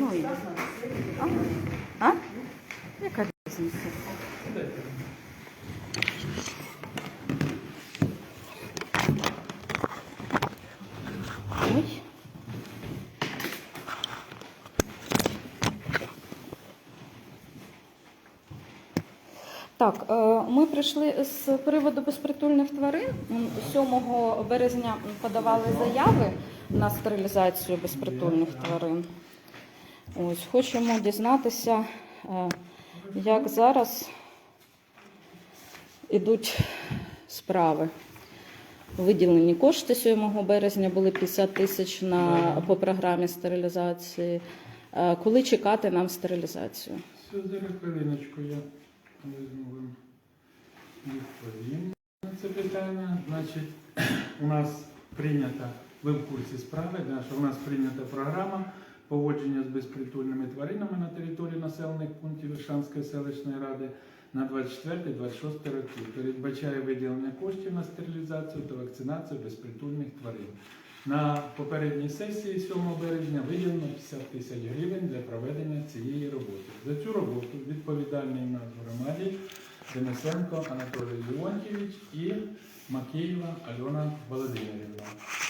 Ой. А? Яка різниця? Ой. Так, ми прийшли з приводу безпритульних тварин. 7 березня подавали заяви на стерилізацію безпритульних тварин. Ось, хочемо дізнатися, як зараз ідуть справи. Виділені кошти 7 березня, були 50 тисяч по програмі стерилізації. Коли чекати нам стерилізацію? Все, зараз хвилиночку я візьму вам відповім на це питання. Значить, у нас прийнята, ви в курсі справи, що у нас прийнята програма поводження з безпритульними тваринами на території населених пунктів Іршанської селищної ради на 24-26 роки. Передбачає виділення коштів на стерилізацію та вакцинацію безпритульних тварин. На попередній сесії 7 березня виділено 50 тисяч гривень для проведення цієї роботи. За цю роботу відповідальний у нас в громаді Денисенко Анатолій Леонтьєвич і Макеєва Альона Володимирівна.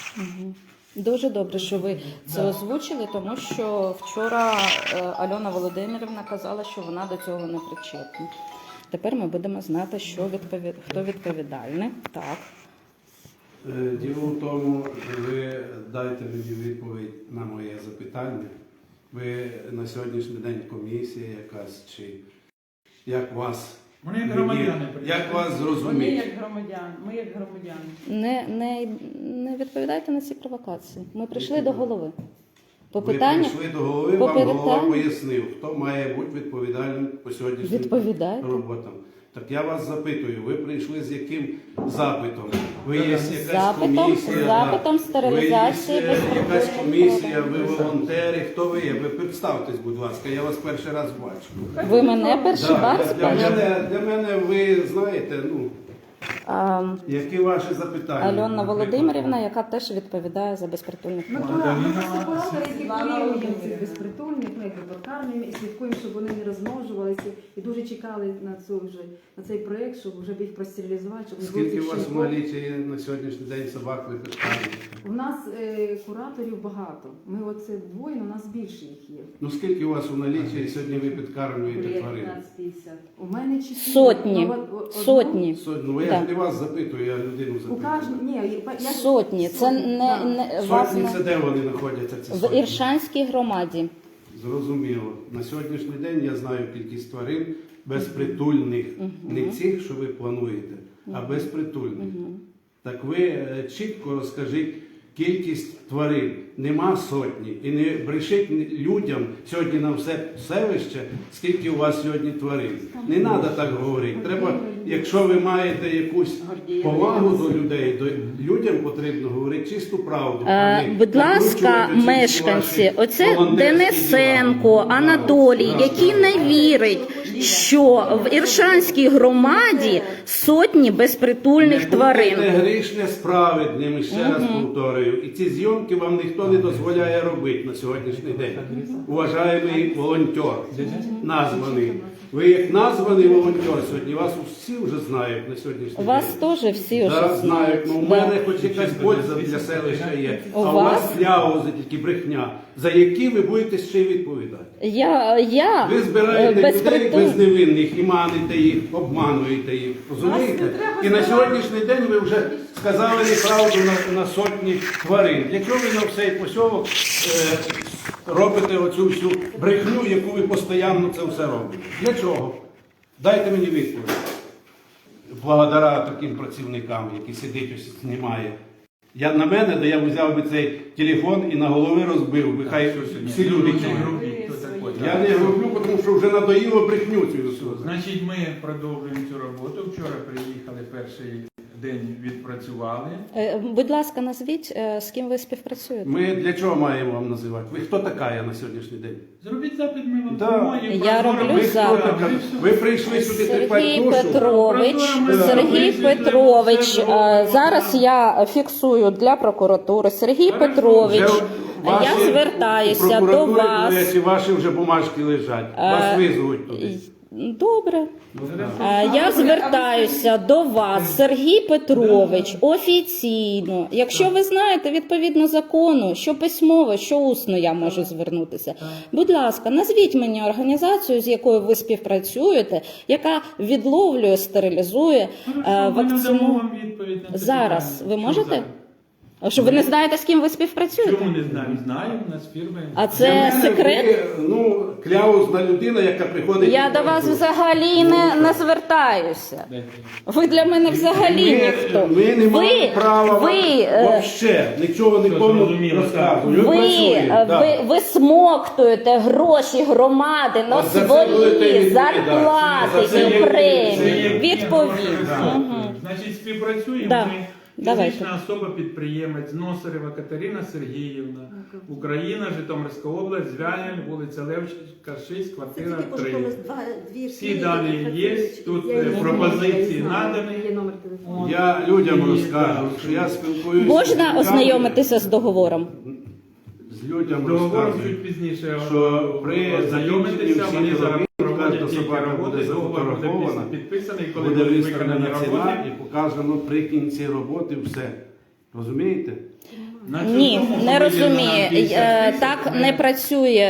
Дуже добре, що ви це озвучили, тому що вчора Альона Володимирівна казала, що вона до цього не причетна. Тепер ми будемо знати, хто відповідальний. Так. Діло в тому, що ви дайте мені відповідь на моє запитання. Ви на сьогоднішній день комісія якась, чи як вас? Вони як громадяни. Як вас зрозуміти? Вони як громадяни, ми як громадяни. Не відповідайте на ці провокації. Ми прийшли до голови. Ви прийшли до голови, вам голова питанню. пояснив, хто має бути відповідальним по сьогоднішнім роботам. Так я вас запитую, ви прийшли з яким запитом? Ви є якась комісія? Запитом стерилізації ви є якась комісія, ви волонтери, хто ви є? Ви представтесь, будь ласка, я вас перший раз бачу. Ви мене перший раз бачите? Для мене ви знаєте, які ваші запитання? Альона Володимирівна, яка теж відповідає за безпритульних тварин. Ми просто куратори, які коріння цих безпритульних, ми їх викармлюємо і слідкуємо, щоб вони не розмножувалися. І дуже чекали на цей проєкт, щоб вже їх простерилізувати. Скільки у вас в налічі на сьогоднішній день собак викармлюєте? У нас кураторів багато. Ми оце двоє, у нас більше їх є. Ну скільки у вас у налічі сьогодні ви підкармлюєте тварин? 15-50. У мене 4. Сотні. Ну я ж не вас запитую, я людину запитую. Сотні. Це не Сотні це де вони знаходяться? Ці в сотні? Іршанській громаді. Зрозуміло. На сьогоднішній день я знаю кількість тварин безпритульних. Не цих, що ви плануєте, а безпритульних. Так ви чітко розкажіть кількість тварин. Нема сотні. І не брешіть людям сьогодні на все селище, скільки у вас сьогодні тварин. Не треба так говорити. Треба, якщо ви маєте якусь повагу до людей, то людям потрібно говорити чисту правду. Будь ласка, мешканці, оце Денисенко Анатолій, який не вірить, що в Іршанській громаді сотні безпритульних тварин. Не будьте грішне справедним, ще раз повторюю. І ці зйомки вам ніхто не дозволяє робити на сьогоднішній день. Уважаємий волонтер, названий. Ви як названий волонтер сьогодні, вас всі вже знають на сьогоднішній день. Вас теж всі вже зараз знають. Ну, у мене хоч якась польза для селища є. А у вас кляузи, тільки брехня, за які ви будете ще й відповідати. Ви збираєте людей безневинних і маните їх, обмануєте їх. Розумієте? І на сьогоднішній день ви вже сказали неправду на сотні тварин. Для чого ви на всей посьовок робите оцю всю брехню, яку ви постійно це все робите? Для чого? Дайте мені відповідь. Благодаря таким працівникам, які сидять ось знімає. На мене, де я взяв би цей телефон і на голови розбив, би хай всі люди чують. Я не роблю, тому що вже надоїло брехню цю. Значить, ми продовжуємо цю роботу. Вчора приїхали перший день відпрацювали. Будь ласка, назвіть, з ким ви співпрацюєте. Ми для чого маємо вам називати? Ви хто така є на сьогоднішній день? Зробіть запит, ми вам Да. допоможемо. Я роблю Ви хто запит. така? Ви прийшли сюди Сергій трепати душу? Петрович, Сергій Петрович, зараз я фіксую для прокуратури. Сергій Петрович, Вже я ваші звертаюся у до прокуратурі, вас. до речі, ваші вже бумажки лежать. Вас визвуть туди. Добре. Я звертаюся до вас, Сергій Петрович, офіційно. Якщо ви знаєте відповідно закону, що письмово, що усно я можу звернутися. Будь ласка, назвіть мені організацію, з якою ви співпрацюєте, яка відловлює, стерилізує Ми надамо вакцину. вам відповідь на це Зараз. питання. Ви Що можете? зараз? А що ви не знаєте, з ким ви співпрацюєте? Чому не знаю? Знаю, у нас фірми. А Для це мене секрет? ви, ну, кляузна людина, яка приходить... Я до вас взагалі не звертаюся. Ви для мене взагалі ніхто. Ми не маємо права вообще нічого нікому зрозуміло, розказувати. Ви працюємо, да. висмоктуєте гроші громади на От за це будете свої відповідати. зарплати За це і є- премії. Відповідь. Значить, співпрацюємо Да. ми. Давайте. Фізична особа-підприємець Носарева Катерина Сергіївна, Україна, Житомирська область, Звягель, вулиця Левченка, 6, квартира 3. Всі дані є, тут пропозиції надані. Є номер телефону. Я людям розкажу, що я спілкуюся... Можна ознайомитися з договором? З людям Договором розказую, чуть пізніше що при знайомитися, закінченні вони всіх зараз робіт, проводять кожна тільки собака роботи, буде договор буде зафотографована, підписаний, коли буде будуть виставлена виконані ціна роботи. і показано при кінці роботи все. Розумієте? На Ні, цьому не виділено розуміє. 50 тисяч. Так не працює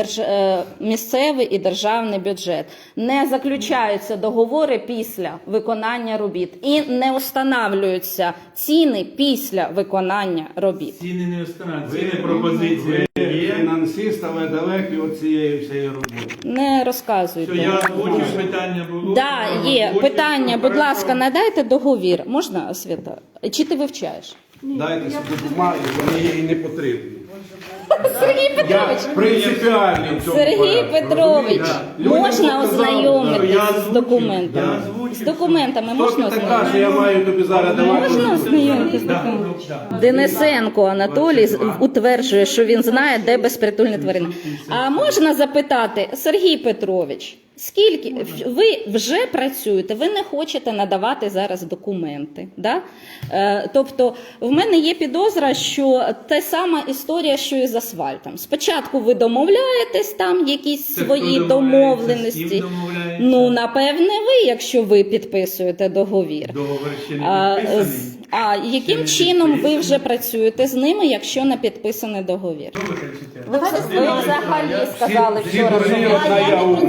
місцевий і державний бюджет. Не заключаються договори після виконання робіт і не встановлюються ціни після виконання робіт. Ціни не встановлюють, ціни пропозиції Ви є. фінансист, але далекі від цієї всієї роботи. Не Що розказуйте. я озвучив, питання було. Да, є Озвучив, питання. Будь хорошо. ласка, надайте договір. Можна, Свята? Чи ти вивчаєш? Дайте собі бумаги, вони їй не потрібні. Сергій Я Петрович. принципіальний в цьому Сергій порядку, Петрович, розумієте? Людям можна показали, ознайомитися я з озвучив, документами? я озвучив. З документами Хто можна ти така, що ознайомитися? я маю тобі зараз давати? Можна ознайомитися з Да, документами? да. Денисенко Анатолій утверджує, що він знає, де безпритульні тварини. А можна запитати, Сергій Петрович, скільки ви вже працюєте, ви не хочете надавати зараз документи. Да? Тобто в мене є підозра, що та сама історія, що і з асфальтом. Спочатку ви домовляєтесь, там якісь Це свої хто домовляється, з домовленості. ким домовляється? Ну, напевне, ви, якщо ви підписуєте договір. Договор ще не підписаний. А яким не чином ви підписаний. вже працюєте з ними, якщо не підписаний договір? Що ви кричите? Ви взагалі сказали всі вчора, що дурні ви одна я умна.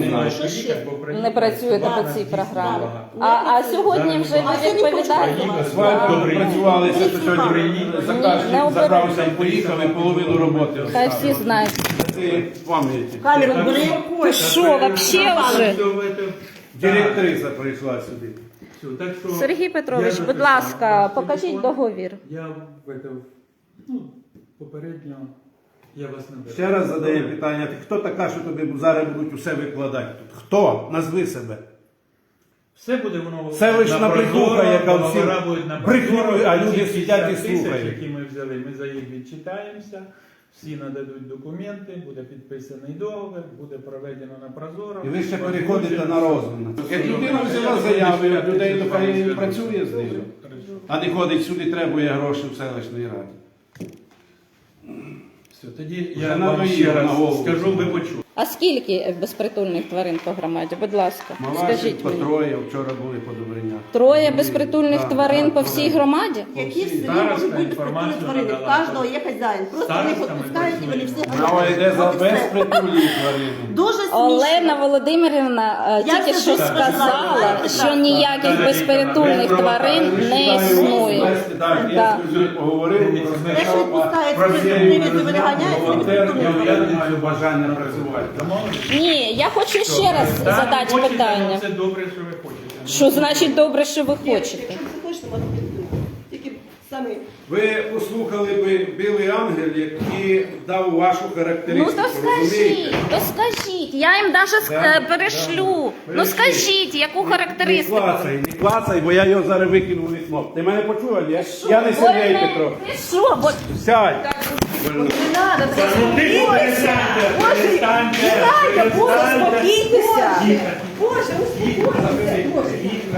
не працюєте по цій програмі. А сьогодні вже ви відповідаєте? Асфальтом працювалися, що сьогодні Не заказчик оберу. забрався і поїхав і половину роботи Хай оставив. всі знають. Ти пам'яті. Камеру бери. Ти що, вообще вже? Директриса прийшла сюди. Сергій Петрович, будь ласка, покажіть договір. Я попередньо я вас не беру. Ще раз задаємо питання. Ти хто така, що тобі зараз будуть усе викладати тут? Хто? Назви себе. Все буде воно Це лише на брехуха, яка всі договора будуть на брехню, а люди Ці сидять і 50 тисяч, слухають. які ми взяли, ми за їх відчитаємося, всі нададуть документи, буде підписаний договір, буде проведено на прозоро. І ви ще переходите на розум. Як людина взяла заяву, як людей нехай працює з ними, а не ходить сюди, требує гроші в селищній раді. Все, тоді Вже я на вам мої, ще на раз голову. скажу, ви почули. А скільки безпритульних тварин по громаді? Будь ласка, Малашик, скажіть мені. Троє, вчора були по Добриня. Троє безпритульних тварин по всій громаді? Які в селі Староста можуть бути інформацію безпритульні тварини? В надала. кожного є хазяїн. Просто вони їх Староста відпускають і вони всі Мова йде за От і все. безпритульні тварини. Дуже смішно. Олена Володимирівна Я тільки це що дуже сказала, знаю. що ніяких безпритульних тварин не існує. Так, Да. я з людьми поговорив, Якщо відпускають про привід, то виганяють, волонтер, вони я не маю бажання працювати. Ні, я хочу ще раз задати Хочете, питання. Це добре, що ви хочете. Що значить добре, що ви хочете? Якщо ти хочеш, то можна підписати. Тільки Самі. Ви послухали би Білий Ангел, який дав вашу Ну характеристику. то скажіть, розумієте? то скажіть, я їм навіть Да, перешлю. да. Ну скажіть, яку характеристику. Не клацай, бо я його зараз викину в вікно. Ти мене почула, ні? Я не Сергій Петро. Ти що, бо Сядь. Не треба, це Ну, ти перестаньте, перестаньте, Боже, перестаньте. успокійтеся. Тихо. Боже, успокійтеся. Боже.